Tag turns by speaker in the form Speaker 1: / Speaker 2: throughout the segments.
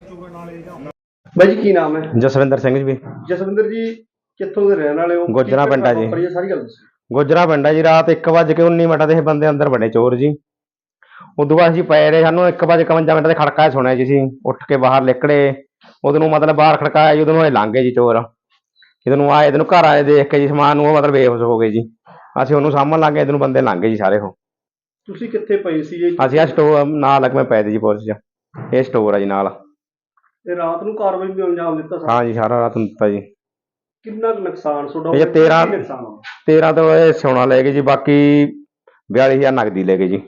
Speaker 1: ਬਾਈ ਜੀ ਕੀ ਨਾਮ ਹੈ?
Speaker 2: ਜਸਵਿੰਦਰ ਸਿੰਘ ਜੀ।
Speaker 1: ਜਸਵਿੰਦਰ ਜੀ ਕਿੱਥੋਂ ਦੇ ਰਹਿਣ ਵਾਲੇ ਹੋ?
Speaker 2: ਗੁੱਜਰਾਂ ਪਿੰਡ ਆ ਜੀ।
Speaker 1: ਸਾਰੀ ਗੱਲ ਦੱਸੋ।
Speaker 2: ਗੁੱਜਰਾਂ ਪਿੰਡ ਆ ਜੀ। ਰਾਤ 1:19 ਦੇ ਬੰਦੇ ਅੰਦਰ ਵੜੇ ਚੋਰ ਜੀ। ਉਦੋਂ ਬਾਅਦ ਅਸੀਂ ਪਏ ਰਹੇ। ਸਾਨੂੰ 1:51 ਦੇ ਖੜਕਾ ਸੁਣਿਆ ਜੀ। ਅਸੀਂ ਉੱਠ ਕੇ ਬਾਹਰ ਨਿਕਲੇ। ਉਦੋਂ ਮਤਲਬ ਬਾਹਰ ਖੜਕਾਇਆ ਜੀ। ਉਦੋਂ ਲੰਘ ਗਏ ਜੀ ਚੋਰ। ਜਦੋਂ ਆਏ ਇਹਨੂੰ ਘਰ ਆਏ ਦੇਖ ਕੇ ਜੀ ਸਮਾਨ ਨੂੰ ਉਹ ਮਤਲਬ ਬੇਹੋਸ਼ ਹੋ ਗਏ ਜੀ। ਅਸੀਂ ਉਹਨੂੰ ਸਾਂਭਣ ਲੱਗ ਗਏ। ਇਹਨੂੰ ਬੰਦੇ ਲੰਘ ਗਏ ਜੀ ਸਾਰੇ। ਉਹ
Speaker 1: ਤੁਸੀਂ ਕਿੱਥੇ ਪਏ ਸੀ ਜੀ?
Speaker 2: ਅਸੀਂ ਆ ਸਟੋਰ ਨਾਲ ਲੱਗਵੇਂ ਪਏ ਤੇ ਜੀ ਪੁਲਿਸ 'ਚ। ਇਹ ਸਟੋਰ ਆ ਜੀ ਨਾਲ।
Speaker 1: ਤੇ ਰਾਤ ਨੂੰ ਕਾਰਵਾਈ ਵੀ ਅੰਜਾਮ ਦਿੱਤਾ?
Speaker 2: ਹਾਂ ਜੀ ਸਾਰਾ ਰਾਤ ਨੂੰ ਦਿੱਤਾ ਜੀ।
Speaker 1: ਕਿੰਨਾ ਨੁਕਸਾਨ ਤੁਹਾਡਾ?
Speaker 2: ਇਹ 13 ਤੋਂ ਇਹ ਸੋਨਾ ਲੈ ਗਏ ਜੀ। ਬਾਕੀ 42,000 ਨਗਦੀ ਲੈ ਗਏ ਜੀ।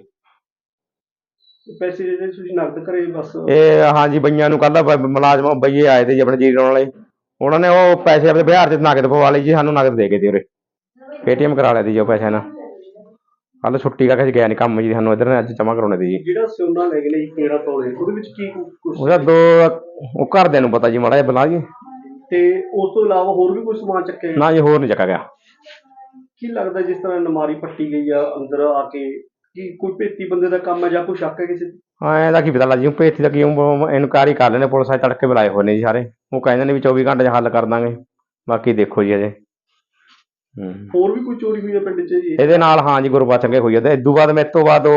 Speaker 1: ਪੈਸੇ ਜਿਹੜੇ ਤੁਸੀਂ ਨਕਦ ਕਰੇ ਬਸ?
Speaker 2: ਇਹ ਹਾਂ ਜੀ ਬਈਆਂ ਨੂੰ ਕੱਲ ਮੁਲਾਜ਼ਮ ਬਈਏ ਆਏ ਤੇ ਜੀ ਆਪਣੇ ਜੀਰੋ ਵਾਲੇ। ਉਹਨਾਂ ਨੇ ਉਹ ਪੈਸੇ ਆਪਣੇ ਬਿਹਾਰ 'ਚ ਨਗਦ ਪਵਾ ਲਈ ਜੀ। ਸਾਨੂੰ ਨਗਦ ਦੇ ਗਏ ਤੇ ਉਰੇ ਪੇਟੀਐਮ ਕਰਾ ਲਿਆ ਤੀ ਜੀ ਉਹ ਪੈਸੇ ਨਾਲ। ਕੱਲ ਛੁੱਟੀ ਕਰਕੇ ਅਸੀਂ ਗਿਆ ਨਹੀਂ ਕੰਮ ਜੀ। ਸਾਨੂੰ ਇੱਧਰ ਅੱਜ ਜਮ੍ਹਾਂ ਕਰਾਉਣੇ ਤੀ ਜੀ।
Speaker 1: ਜਿਹੜਾ ਸੋਨਾ ਲੈ ਗਏ ਨੇ 13 ਤੋਲੇ, ਉਹਦੇ ਵਿੱਚ ਕੀ ਕੁਛ?
Speaker 2: ਉਹਦਾ ਉਹ ਘਰਦਿਆਂ ਨੂੰ ਪਤਾ ਜੀ ਮਾੜਾ ਜਿਹਾ ਬਲਾ ਜੀ।
Speaker 1: ਤੇ ਉਸ ਤੋਂ ਇਲਾਵਾ ਹੋਰ ਵੀ ਕੋਈ ਸਮਾਨ ਚੱਕਿਆ?
Speaker 2: ਨਾ ਜੀ ਹੋਰ ਨਹੀਂ ਚੱਕਾ ਗਿਆ।
Speaker 1: ਕੀ ਲੱਗਦਾ ਜਿਸ ਤਰ੍ਹਾਂ ਨਮਾਰੀ ਪੱਟੀ ਗਈ ਆ ਅੰਦਰ ਆ ਕੇ, ਕੀ ਕੋਈ ਭੇਤੀ ਬੰਦੇ ਦਾ ਕੰਮ ਹੈ ਜਾਂ ਕੋਈ ਸ਼ੱਕ ਹੈ ਕਿਸੇ ਤੇ?
Speaker 2: ਹਾਂ ਇਹਦਾ ਕੀ ਪਤਾ ਲੱਗ ਜੀ। ਭੇਤੀ ਦਾ ਕੀ ਇਨਕੁਆਇਰੀ ਕਰ ਲੈਣੇ। ਪੁਲਿਸ ਵਾਲੇ ਤੜਕੇ ਬੁਲਾਏ ਹੋਏ ਨੇ ਜੀ ਸਾਰੇ। ਉਹ ਕਹਿੰਦੇ ਨੇ ਵੀ 24 ਘੰਟੇ 'ਚ ਹੱਲ ਕਰ ਦਾਂਗੇ। ਬਾਕੀ ਦੇਖੋ ਜੀ ਅਜੇ।
Speaker 1: ਹੋਰ ਵੀ ਕੋਈ ਚੋਰੀ ਹੋਈ ਹੈ ਪਿੰਡ 'ਚ ਜੀ?
Speaker 2: ਇਹਦੇ ਨਾਲ ਹਾਂ ਜੀ ਗੁਰਬਚਨ ਕੇ ਹੋਈ ਹੈ। ਤੇ ਇਦੋਂ ਬਾਅਦ ਮੇਰੇ ਤੋਂ ਬਾਅਦ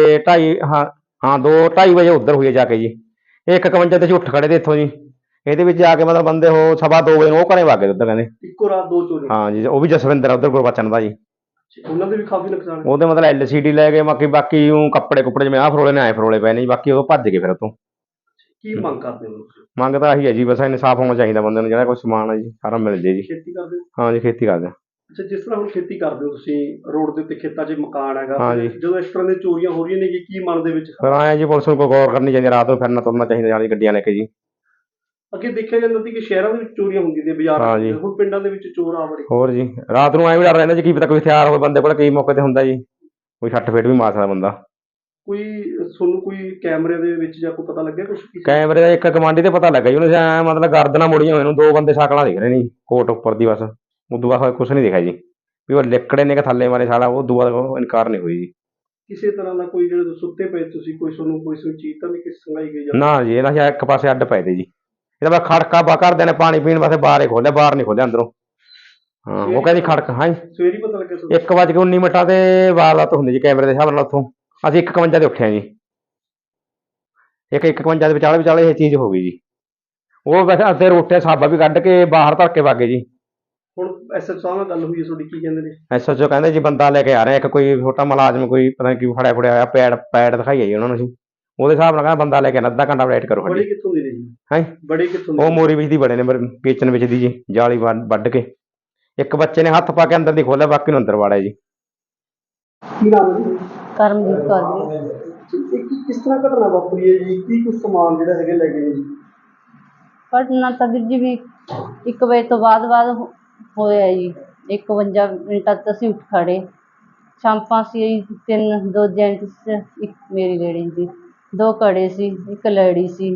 Speaker 2: 2:2:30 ਵਜੇ ਉੱਧਰ ਹੋਈ ਹੈ ਜਾ ਕੇ ਜੀ। 1:51 ਤੇ ਅਸੀਂ ਉੱਠ ਖੜੇ ਤੇ ਇੱਥੋਂ ਜੀ। ਇਹਦੇ ਵਿੱਚ ਆ ਕੇ ਮਤਲਬ ਬੰਦੇ ਉਹ 2:15 ਵਜੇ ਨੂੰ ਉਹ ਘਰੇ ਵਗ ਗਏ ਉੱਧਰ ਕਹਿੰਦੇ।
Speaker 1: ਇੱਕੋ ਰਾਤ 2 ਚੋਰੀ? ਹਾਂ
Speaker 2: ਜੀ ਉਹ ਵੀ ਜਸਵਿੰਦਰ ਉੱਧਰ ਗੁਰਬਚਨ ਦਾ ਜੀ।
Speaker 1: ਉਹਨਾਂ ਦੇ ਵੀ ਕਾਫੀ ਨੁਕਸਾਨ?
Speaker 2: ਉਹਦੇ ਮਤਲਬ LCD ਲੈ ਗਏ। ਬਾਕੀ ਉਹ ਕੱਪੜੇ ਜਿਵੇਂ ਆਹ ਫਰੋਲੇ ਨੇ ਆਏ ਫਰੋਲੇ ਪਏ ਨੇ ਜੀ। ਬਾਕੀ ਉਹ ਭੱਜ ਗਏ ਫਿਰ ਉੱਥੋਂ।
Speaker 1: ਕੀ ਮੰਗ ਕਰਦੇ ਹੋ?
Speaker 2: ਮੰਗ ਤਾਂ ਆਹੀ ਹੈ ਜੀ ਬਸ ਇਨਸਾਫ ਹੋਣਾ ਚਾਹੀਦਾ ਬੰਦੇ ਨੂੰ। ਜਿਹੜਾ ਕੋਈ ਸਮਾਨ ਹੈ ਜੀ ਸਾਰਾ ਮਿਲ ਜੇ ਜੀ।
Speaker 1: ਖੇਤੀ ਕਰਦੇ ਹੋ?
Speaker 2: ਹਾਂ ਜੀ ਖੇਤੀ ਕਰਦੇ ਹਾਂ।
Speaker 1: ਅੱਛਾ, ਜਿਸ ਤਰ੍ਹਾਂ ਹੁਣ ਖੇਤੀ ਕਰਦੇ ਹੋ ਤੁਸੀਂ, ਰੋਡ ਦੇ ਉੱਤੇ ਖੇਤਾਂ 'ਚ ਮਕਾਨ ਹੈਗਾ,
Speaker 2: ਹਾਂ ਜੀ।
Speaker 1: ਜਦੋਂ ਇਸ ਤਰ੍ਹਾਂ ਦੀਆਂ ਚੋਰੀਆਂ ਹੋ ਰਹੀਆਂ ਨੇ ਜੀ, ਕੀ ਮਨ ਦੇ ਵਿੱਚ?
Speaker 2: ਫਿਰ ਆਏ ਜੀ ਪੁਲਿਸ ਨੂੰ ਕੋਈ ਗੌਰ ਕਰਨੀ ਚਾਹੀਦੀ। ਰਾਤ ਨੂੰ ਫਿਰਨਾ ਤੁਰਨਾ ਚਾਹੀਦਾ ਨਾਲ ਗੱਡੀਆਂ ਲੈ ਕੇ ਜੀ।
Speaker 1: ਅੱਗੇ ਦੇਖਿਆ ਜਾਂਦਾ ਸੀ ਕਿ ਸ਼ਹਿਰਾਂ ਦੇ ਵਿੱਚ ਚੋਰੀਆਂ ਹੁੰਦੀਆਂ ਨੇ, ਬਾਜ਼ਾਰਾਂ ਦੇ ਵਿੱਚ। ਹੁਣ ਪਿੰਡਾਂ ਦੇ ਵਿੱਚ ਚੋਰ ਆ ਵੜੇ।
Speaker 2: ਹੋਰ ਜੀ ਰਾਤ ਨੂੰ ਐਂ ਵੀ ਡਰ ਰਹਿੰਦਾ ਜੀ। ਕੀ ਪਤਾ ਕੋਈ ਹਥਿਆਰ ਹੋਵੇ ਬੰਦੇ ਕੋਲ। ਕਈ ਮੌਕੇ ਤੇ ਹੁੰਦਾ ਜੀ ਕੋਈ ਛੱਟ ਫੇਟ ਵੀ ਮਾਰ ਸਕਦਾ ਬੰਦਾ।
Speaker 1: ਕੋਈ ਤੁਹਾਨੂੰ ਕੋਈ ਕੈਮਰੇ ਦੇ ਵਿੱਚ ਜਾਂ ਕੋਈ ਪਤਾ ਲੱਗਿਆ ਕੁਛ?
Speaker 2: ਕੈਮਰੇ ਦਾ ਇੱਕ ਕਮਾਂਡੀ ਤੇ ਪਤਾ ਲੱਗਾ ਜੀ। ਉਹਨੇ ਐਂ ਮਤਲਬ ਗਰਦਨਾਂ ਮੁੜੀਆਂ ਹੋਏ ਨੂੰ 2 ਬੰਦੇ ਸ਼ਕਲਾਂ ਦਿਖ ਰਹੇ ਨੇ ਜੀ ਕੋਟ ਉੱਪਰ ਦੀ। ਬਸ ਉਦੋਂ ਬਾਅਦ ਕੁਛ ਨਹੀਂ ਦਿਖਿਆ ਜੀ ਵੀ ਉਹ ਲਿਕੜੇ ਨੇ ਕਿ ਥੱਲੇ ਮਾਰੇ ਸਾਲਾ। ਉਦੋਂ ਬਾਅਦ ਉਹ ਇਨਕਾਰ ਨਹੀਂ ਹੋਈ ਜੀ।
Speaker 1: ਕਿਸੇ ਤਰ੍ਹਾਂ ਦਾ ਕੋਈ ਜਿਹੜੇ ਸੁੱਤੇ ਪਏ ਤੁਸੀਂ, ਕੋਈ ਤੁਹਾਨੂੰ ਕੋਈ ਚੀਜ਼ ਤਾਂ ਨਹੀਂ ਸੰਗਾਈ ਗਈ?
Speaker 2: ਨਾ ਜੀ ਇਹਨਾਂ ਇੱਕ ਪਾਸੇ ਅੱਡ ਪਏ ਤੇ ਜੀ। ਇਹਦਾ ਬਸ ਖੜਕਾ ਘਰਦਿਆਂ ਨੇ ਪਾਣੀ ਪੀਣ ਵਾਸਤੇ ਬਾਹਰ ਹੀ ਖੋਲਿਆ। ਬਾਹਰ ਨਹੀਂ ਖੋਲਿਆ ਅੰਦਰੋਂ। ਹਾਂ ਉਹ ਕਹਿੰਦੀ ਖੜਕ। ਹਾਂ
Speaker 1: ਸਵੇਰੇ ਪਤਾ ਲੱਗਿਆ?
Speaker 2: 1:19 ਤੇ ਵਾਰਦਾਤ ਹੁੰਦੀ ਜੀ ਕੈਮਰੇ ਦੇ ਹਿਸਾਬ ਨਾਲ। ਉੱਥੋਂ ਅਸੀਂ 1:51 ਤੇ ਉੱਠਿਆ ਜੀ। 1:51 ਦੇ ਵਿਚਾਲੇ ਇਹ ਚੀਜ਼ ਹੋ ਗਈ ਜੀ। ਉਹ ਵੈਸੇ ਅੱਧੇ ਰੋਟੇ ਸਾਬਾ ਵੀ ਕੱਢ ਕੇ ਬਾਹਰ ਧਰ ਕੇ ਵਾਗੇ ਜੀ।
Speaker 1: ਹੁਣ SHO ਸਾਹਿਬ ਨਾਲ ਗੱਲ ਹੋਈ ਹੈ ਤੁਹਾਡੀ, ਕੀ ਕਹਿੰਦੇ ਨੇ?
Speaker 2: SHO ਕਹਿੰਦੇ ਜੀ ਬੰਦਾ ਲੈ ਕੇ ਆ ਰਹੇ ਇੱਕ ਕੋਈ ਛੋਟਾ ਮੁਲਾਜ਼ਮ, ਕੋਈ ਪਤਾ ਨਹੀਂ ਕੀ ਫੜਿਆ ਹੋਇਆ। ਪੈਡ ਦਿਖਾਈ ਜੀ ਉਹਨਾਂ ਨੂੰ। ਅਸੀਂ ਉਹਦੇ ਹਿਸਾਬ ਨਾਲ ਕਹਿੰਦਾ ਬੰਦਾ ਲੈ ਕੇ ਅੱਧਾ ਘੰਟਾ ਵੇਟ ਕਰੋ।
Speaker 1: ਬੜੇ ਕਿੱਥੋਂ ਦੇ ਨੇ ਜੀ?
Speaker 2: ਹੈ
Speaker 1: ਬੜੇ ਕਿੱਥੋਂ ਦੇ?
Speaker 2: ਉਹ ਮੋਰੀ ਵਿੱਚ ਦੀ ਬੜੇ ਨੇ ਕਿਚਨ ਵਿੱਚ ਦੀ ਜੀ। ਜਾਲੀ ਵੱਢ ਕੇ ਇੱਕ ਬੱਚੇ ਨੇ ਹੱਥ ਪਾ ਕੇ ਅੰਦਰ ਦੀ ਖੋਲਿਆ, ਬਾਕੀ ਨੂੰ ਅੰਦਰ ਵਾੜਿਆ ਜੀ।
Speaker 1: ਕੀ ਨਾਮ ਹੈ?
Speaker 3: ਕਰਮਜੀਤ ਕੌਰ ਜੀ।
Speaker 1: ਕਿਸ ਤਰ੍ਹਾਂ ਘਟਨਾ ਵਾਪਰੀ ਹੈ ਜੀ? ਕੀ ਕੁਛ ਸਮਾਨ ਜਿਹੜਾ ਹੈਗੇ ਲੈ ਗਏ ਜੀ?
Speaker 3: ਘਟਨਾ ਤਾਂ ਵੀਰ ਜੀ ਵੀ 1 ਵਜੇ ਤੋਂ ਬਾਅਦ ਹੋਇਆ ਜੀ। 51 ਮਿੰਟਾਂ ਤੱਕ ਅਸੀਂ ਉੱਠ ਖੜੇ। ਸ਼ਾਂਪਾਂ ਸੀ 2 ਜੈਂਟਸ, ਇੱਕ ਮੇਰੀ ਲੇਡੀ ਸੀ, 2 ਕੜੇ ਸੀ, ਇੱਕ ਲੜੀ ਸੀ।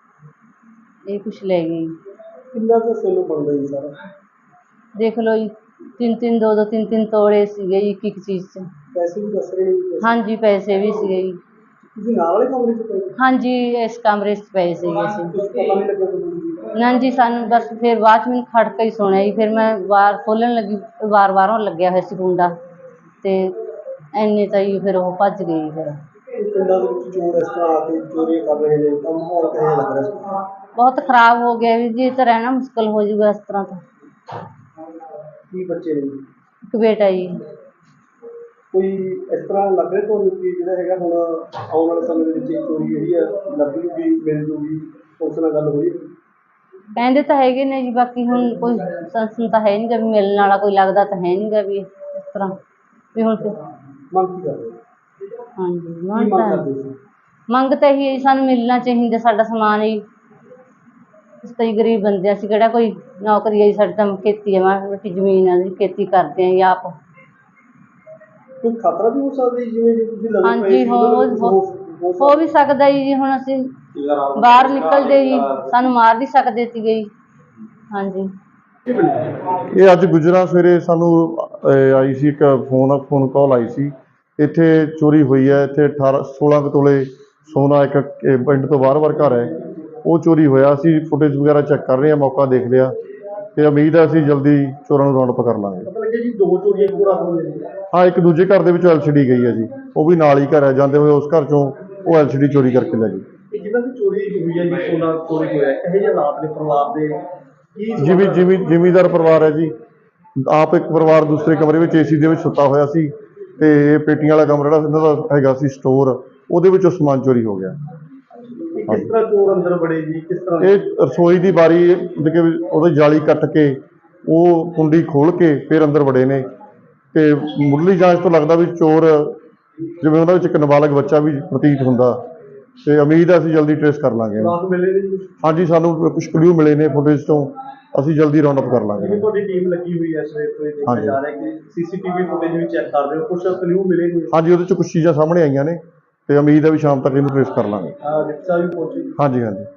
Speaker 3: ਇਹ ਕੁਛ ਲੈ ਗਏ।
Speaker 1: ਕਿੰਨਾ ਕੁ ਸੋਨਾ ਬਣਦਾ ਜੀ ਸਾਰਾ? ਦੇਖ
Speaker 3: ਲਓ ਜੀ 3-3 2-2 3-3 ਤੋਲੇ ਸੀਗੇ ਜੀ ਇੱਕ ਚੀਜ਼ 'ਚ।
Speaker 1: ਪੈਸੇ ਵੀ ਦੱਸ ਰਹੇ ਨੇ?
Speaker 3: ਹਾਂਜੀ ਪੈਸੇ ਵੀ ਸੀਗੇ ਜੀ।
Speaker 1: ਤੁਸੀਂ ਨਾਲ ਵਾਲੇ ਕਮਰੇ 'ਚ ਪਏ?
Speaker 3: ਹਾਂਜੀ ਇਸ ਕਮਰੇ 'ਚ ਪਏ ਸੀਗੇ ਅਸੀਂ।
Speaker 1: ਪਤਾ ਨਹੀਂ ਲੱਗਿਆ ਤੁਹਾਨੂੰ?
Speaker 3: ਨਾ ਜੀ ਸਾਨੂੰ ਬਸ ਫਿਰ ਬਾਅਦ 'ਚ ਮੈਨੂੰ ਖੜਕਾ ਹੀ ਸੁਣਿਆ ਜੀ। ਫਿਰ ਮੈਂ ਵਾਰ ਖੋਲ੍ਹਣ ਲੱਗੀ, ਬਾਹਰੋਂ ਲੱਗਿਆ ਹੋਇਆ ਸੀ ਕੁੰਡਾ ਅਤੇ ਇੰਨੇ ਤਾਂ ਜੀ ਫਿਰ ਉਹ ਭੱਜ ਗਏ ਜੀ। ਫਿਰ
Speaker 1: ਪਿੰਡਾਂ ਦੇ ਵਿੱਚ ਚੋਰ ਇਸ ਤਰ੍ਹਾਂ ਆ ਕੇ ਚੋਰੀਆਂ ਕਰ ਰਹੇ ਨੇ ਤਾਂ ਮਾਹੌਲ ਕਿਹੋ ਜਿਹਾ ਲੱਗ ਰਿਹਾ ਸੀ?
Speaker 3: ਬਹੁਤ ਖ਼ਰਾਬ ਹੋ ਗਿਆ ਵੀ ਜੀ। ਇਹ ਤਾਂ ਰਹਿਣਾ ਮੁਸ਼ਕਿਲ ਹੋ ਜਾਊਗਾ ਇਸ ਤਰ੍ਹਾਂ ਤਾਂ।
Speaker 1: ਕੀ ਬੱਚੇ ਨੇ?
Speaker 3: ਇੱਕ ਬੇਟਾ ਜੀ।
Speaker 1: ਕੋਈ ਇਸ ਤਰ੍ਹਾਂ ਲੱਗ ਰਿਹਾ ਤੁਹਾਨੂੰ ਕਿ ਜਿਹੜਾ ਹੈਗਾ ਹੁਣ ਆਉਣ ਵਾਲੇ ਸਮੇਂ ਦੇ ਵਿੱਚ ਚੋਰੀ ਜਿਹੜੀ ਆ ਲੱਗ ਜੂਗੀ, ਮਿਲ ਜੂਗੀ? ਉਸ ਨਾਲ ਗੱਲ ਹੋਈ?
Speaker 3: ਕਹਿੰਦੇ ਤਾਂ ਹੈਗੇ ਨੇ ਜੀ। ਬਾਕੀ ਹੁਣ ਕੋਈ ਸੰਸਨ ਤਾਂ ਹੈ ਨਹੀਂ ਗਾ ਵੀ ਮਿਲਣ ਵਾਲਾ ਕੋਈ ਲੱਗਦਾ ਤਾਂ ਹੈ ਨਹੀਂ ਗਾ ਵੀ ਇਸ ਤਰ੍ਹਾਂ ਵੀ। ਹੁਣ
Speaker 1: ਮੰਗ ਕੀ ਕਰਦੇ?
Speaker 3: ਹਾਂਜੀ ਮੰਗ ਤਾਂ ਇਹੀ ਹੈ ਜੀ, ਸਾਨੂੰ ਮਿਲਣਾ ਚਾਹੀਦਾ ਸਾਡਾ ਸਮਾਨ ਜੀ। ਅਸੀਂ ਤਾਂ ਜੀ ਗਰੀਬ ਬੰਦੇ, ਅਸੀਂ ਕਿਹੜਾ ਕੋਈ ਨੌਕਰੀ ਹੈ ਜੀ। ਸਾਡੀ ਤਾਂ ਖੇਤੀ ਹੈ, ਮਾੜੀ ਮੋਟੀ ਜ਼ਮੀਨ ਹੈ ਜੀ, ਖੇਤੀ ਕਰਦੇ ਹਾਂ ਜੀ ਆਪ।
Speaker 1: ਕੋਈ ਖਤਰਾ ਵੀ ਹੋ ਸਕਦਾ ਜੀ? ਜਿਵੇਂ ਤੁਸੀਂ ਲੱਗਦਾ?
Speaker 3: ਹਾਂਜੀ ਹੋ ਵੀ ਸਕਦਾ ਜੀ। ਹੁਣ ਅਸੀਂ ਬਾਹਰ ਨਿਕਲਦੇ ਜੀ, ਸਾਨੂੰ ਮਾਰ ਵੀ ਸਕਦੇ ਸੀਗੇ ਜੀ। ਹਾਂਜੀ
Speaker 4: ਇਹ ਅੱਜ ਗੁਜਰਾਂ ਸਵੇਰੇ ਸਾਨੂੰ ਆਈ ਸੀ ਇੱਕ ਫੋਨ ਕਾਲ ਆਈ ਸੀ। ਇੱਥੇ ਚੋਰੀ ਹੋਈ ਹੈ। ਇੱਥੇ 16 ਕੁ ਤੋਲੇ ਸੋਨਾ ਇੱਕ ਪਿੰਡ ਤੋਂ ਬਾਹਰ ਘਰ ਹੈ। ਉਹ ਚੋਰੀ ਹੋਇਆ। ਅਸੀਂ ਫੁਟੇਜ ਵਗੈਰਾ ਚੈੱਕ ਕਰ ਰਹੇ ਹਾਂ, ਮੌਕਾ ਦੇਖ ਲਿਆ ਤੇ ਉਮੀਦ ਹੈ ਅਸੀਂ ਜਲਦੀ ਚੋਰਾਂ ਨੂੰ ਰਾਉਂਡ ਅਪ ਕਰ ਲਾਂਗੇ।
Speaker 1: ਪਤਾ ਲੱਗਿਆ ਜੀ 2 ਚੋਰੀਆਂ ਇੱਕੋ ਰਾਤ ਹੋਈਆਂ ਜੀ।
Speaker 4: ਹਾਂ, ਇੱਕ ਦੂਜੇ ਘਰ ਦੇ ਵਿੱਚੋਂ LCD ਗਈ ਹੈ ਜੀ, ਉਹ ਵੀ ਨਾਲ ਹੀ ਘਰ ਹੈ, ਜਾਂਦੇ ਹੋਏ ਉਸ ਘਰ ਚੋਂ ਉਹ LCD ਚੋਰੀ ਕਰਕੇ ਲੈ ਗਈ।
Speaker 1: ਇਹ ਜਿਨ੍ਹਾਂ ਦੀ ਚੋਰੀ ਹੋਈ ਹੈ ਜੀ, ਸੋਨਾ ਚੋਰੀ ਹੋਇਆ, ਇਹੋ ਜਿਹੇ ਹਾਲਾਤ ਨੇ ਪਰਿਵਾਰ ਦੇ ਕੀ?
Speaker 4: ਜ਼ਿਮੀਂਦਾਰ ਪਰਿਵਾਰ ਹੈ ਜੀ। ਆਪ ਇੱਕ ਪਰਿਵਾਰ ਦੂਸਰੇ ਕਮਰੇ ਵਿੱਚ AC ਦੇ ਵਿੱਚ ਸੁੱਤਾ ਹੋਇਆ ਸੀ ਤੇ ਇਹ ਪੇਟੀਆਂ ਵਾਲਾ ਕਮਰਾ ਜਿਹੜਾ ਇਹਨਾਂ ਦਾ ਹੈਗਾ ਸੀ ਸਟੋਰ, ਉਹਦੇ ਵਿੱਚੋਂ ਸਮਾਨ ਚੋਰੀ ਹੋ ਗਿਆ।
Speaker 1: ਇਹ ਕਿਸ ਤਰ੍ਹਾਂ ਚੋਰ ਅੰਦਰ ਵੜੇ ਜੀ, ਕਿਸ ਤਰ੍ਹਾਂ?
Speaker 4: ਇਹ ਰਸੋਈ ਦੀ ਬਾਰੀ ਉਹਦੀ ਜਾਲੀ ਕੱਟ ਕੇ ਉਹ ਕੁੰਡੀ ਖੋਲ ਕੇ ਫਿਰ ਅੰਦਰ ਵੜੇ ਨੇ ਤੇ ਮੁੱਢਲੀ ਜਾਂਚ ਤੋਂ ਲੱਗਦਾ ਵੀ ਚੋਰ ਜਿਵੇਂ ਉਹਨਾਂ ਵਿੱਚ ਇੱਕ ਨਾਬਾਲਗ ਬੱਚਾ ਵੀ ਪ੍ਰਤੀਤ ਹੁੰਦਾ ਤੇ ਉਮੀਦ ਹੈ ਅਸੀਂ ਜਲਦੀ ਟ੍ਰੇਸ ਕਰ ਲਾਂਗੇ।
Speaker 1: ਰਾਤ ਮਿਲੇ ਨੇ ਜੀ?
Speaker 4: ਹਾਂਜੀ, ਸਾਨੂੰ ਕੁਝ ਕਲੂ ਮਿਲੇ ਨੇ ਫੁਟੇਜ ਤੋਂ, ਅਸੀਂ ਜਲਦੀ ਰਾਉਂਡ ਅਪ ਕਰ ਲਾਂਗੇ।
Speaker 1: ਜਿਵੇਂ ਤੁਹਾਡੀ ਟੀਮ ਲੱਗੀ ਹੋਈ ਹੈ ਸਵੇਰ ਤੋਂ, ਇਹ ਦੇਖਿਆ ਜਾ ਰਿਹਾ ਕਿ CCTV ਫੁਟੇਜ ਵੀ ਚੈੱਕ ਕਰ ਰਹੇ ਹੋ, ਕੁਝ ਕਲੂ ਮਿਲੇ ਨੇ?
Speaker 4: ਹਾਂਜੀ, ਉਹਦੇ 'ਚ ਕੁਝ ਚੀਜ਼ਾਂ ਸਾਹਮਣੇ ਆਈਆਂ ਨੇ ਤੇ ਉਮੀਦ ਹੈ ਵੀ ਸ਼ਾਮ ਤੱਕ ਇਹਨੂੰ ਟ੍ਰੇਸ ਕਰ ਲਾਂਗੇ।
Speaker 1: ਰਿਕਸ਼ਾ ਵੀ ਪਹੁੰਚੀ?
Speaker 4: ਹਾਂਜੀ।